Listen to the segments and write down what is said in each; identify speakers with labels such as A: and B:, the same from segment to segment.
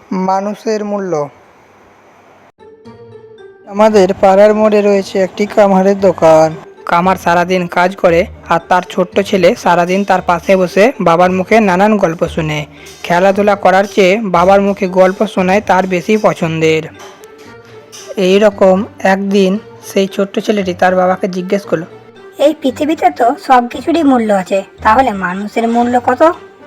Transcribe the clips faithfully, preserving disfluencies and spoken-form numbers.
A: মানুষের মূল্য। আমাদের পাড়ার মোড়ে রয়েছে একটি কামারের দোকান। কামার সারাদিন কাজ করে আর তার ছোট্ট ছেলে সারাদিন তার পাশে বসে বাবার মুখে নানান গল্প শুনে। খেলাধুলা করার চেয়ে বাবার মুখে গল্প শোনায় তার বেশি পছন্দের। এই রকম একদিন সেই ছোট্ট ছেলেটি তার বাবাকে জিজ্ঞেস করলো,
B: এই পৃথিবীতে তো সব কিছুরই মূল্য আছে, তাহলে মানুষের মূল্য কত?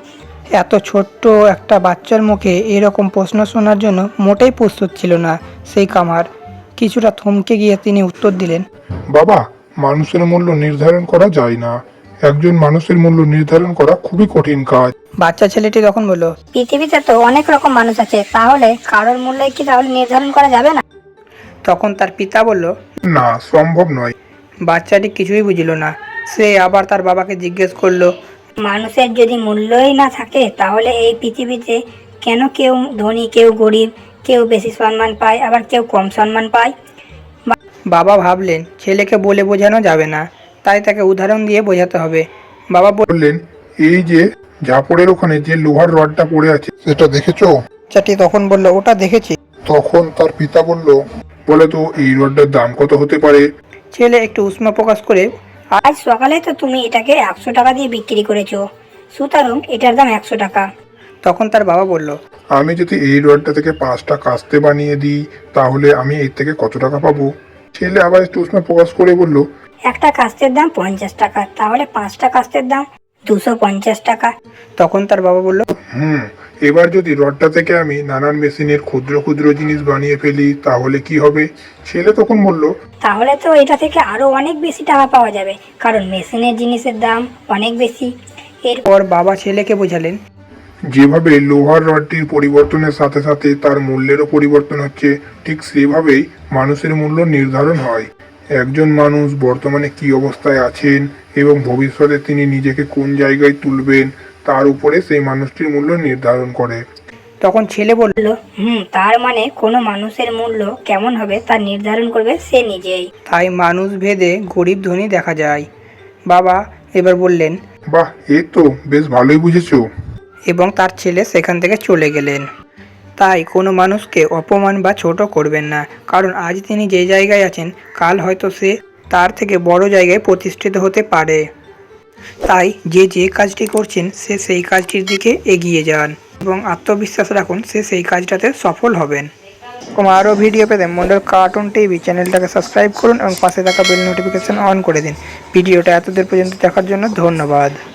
A: এত ছোট্ট একটা বাচ্চার মুখে এরকম প্রশ্ন শোনার জন্য মোটেই প্রস্তুত ছিল না সেই কামার। কিছুটা থমকে গিয়ে তিনি উত্তর দিলেন,
C: বাবা, মানুষের মূল্য নির্ধারণ করা যায় না। একজন মানুষের মূল্য নির্ধারণ করা খুবই কঠিন কাজ।
A: বাচ্চা ছেলেটি তখন বলল,
B: পৃথিবীতে তো অনেক রকম মানুষ আছে, তাহলে কারোর মূল্য কি তাহলে নির্ধারণ করা যাবে না?
A: তখন তার পিতা বলল,
C: না, সম্ভব নয়।
A: বাচ্চাটি কিছুই বুঝল না। সে আবার তার বাবাকে জিজ্ঞেস করলো,
B: মানুষের যদি মূল্যই না থাকে, তাহলে এই পৃথিবীতে কেন কেউ ধনী, কেউ গরিব, কেউ বেশি সম্মান পায়, আবার কেউ কম সম্মান পায়?
A: বাবা ভাবলেন ছেলেকে বলে বোঝানো যাবে না, তাই তাকে উদাহরণ দিয়ে বোঝাতে হবে। বাবা
C: বললেন, এই যে ঝাপড়ের ওখানে যে লোহার রডটা পড়ে আছে, সেটা দেখেছো?
A: বাচ্চাটি তখন বলল, ওটা দেখেছি।
C: তখন তার পিতা বলল, বলে তো এই রডটার দাম কত হতে পারে?
A: ছেলে একটু উষ্মা প্রকাশ করে,
B: আজ সকালে তো তুমি এটাকে একশো টাকা দিয়ে বিক্রি করেছো, সুতরাং এটার দাম একশো টাকা।
A: তখন তার বাবা বলল,
C: আমি যদি এই রডটা থেকে পাঁচটা কাস্তে বানিয়ে দিই, তাহলে আমি এর থেকে কত টাকা পাবো? ছেলে আবার একটু উষ্মা প্রকাশ করে বলল,
B: একটা কাস্তের দাম পঞ্চাশ টাকা, তাহলে পাঁচটা কাস্তের দাম দুশো পঞ্চাশ টাকা।
A: তখন তার বাবা বলল,
C: হুম এবার যদি রডটা থেকে আমি নানান মেশিনের ক্ষুদ্র ক্ষুদ্র জিনিস বানিয়ে ফেলি, তাহলে কি হবে? ছেলে তখন বলল,
B: তাহলে তো এটা থেকে আরো অনেক বেশি টাকা পাওয়া যাবে, কারণ মেশিনের জিনিসের দাম অনেক বেশি।
A: এরপর বাবা ছেলেকে বোঝালেন,
C: যেভাবে লোহার রডটির পরিবর্তনের সাথে সাথে তার মূল্যেরও পরিবর্তন হচ্ছে, ঠিক সেভাবেই মানুষের মূল্য নির্ধারণ হয়। একজন মানুষ বর্তমানে কি অবস্থায় আছেন এবং ভবিষ্যতে তিনি নিজেকে কোন জায়গায় তুলবেন, তার উপরে সেই মানুষটির মূল্য নির্ধারণ করে।
A: তখন ছেলে বলল,
B: বললো, হুম তার মানে কোনো মানুষের মূল্য কেমন হবে তা নির্ধারণ করবে সে নিজেই।
A: তাই মানুষ ভেদে গরিব ধনী দেখা যায়। বাবা এবার বললেন,
C: বাহ, এই তো বেশ ভালোই বুঝেছো।
A: এবং তার ছেলে সেখান থেকে চলে গেলেন। তাই কোনো মানুষকে অপমান বা ছোট করবেন না, কারণ আজ তিনি যে জায়গায় আছেন, কাল হয়তো সে তার থেকে বড় জায়গায় প্রতিষ্ঠিত হতে পারে। তাই যে যে কাজটি করছেন সে সেই কাজটির দিকে এগিয়ে যান এবং আত্মবিশ্বাস রাখুন সে সেই কাজটাতে সফল হবেন। এবং আরও ভিডিও পেতে মন্ডল কার্টুন টিভি চ্যানেলটাকে সাবস্ক্রাইব করুন এবং পাশে থাকা বেল নোটিফিকেশন অন করে দিন। ভিডিওটা এতদূর পর্যন্ত দেখার জন্য ধন্যবাদ।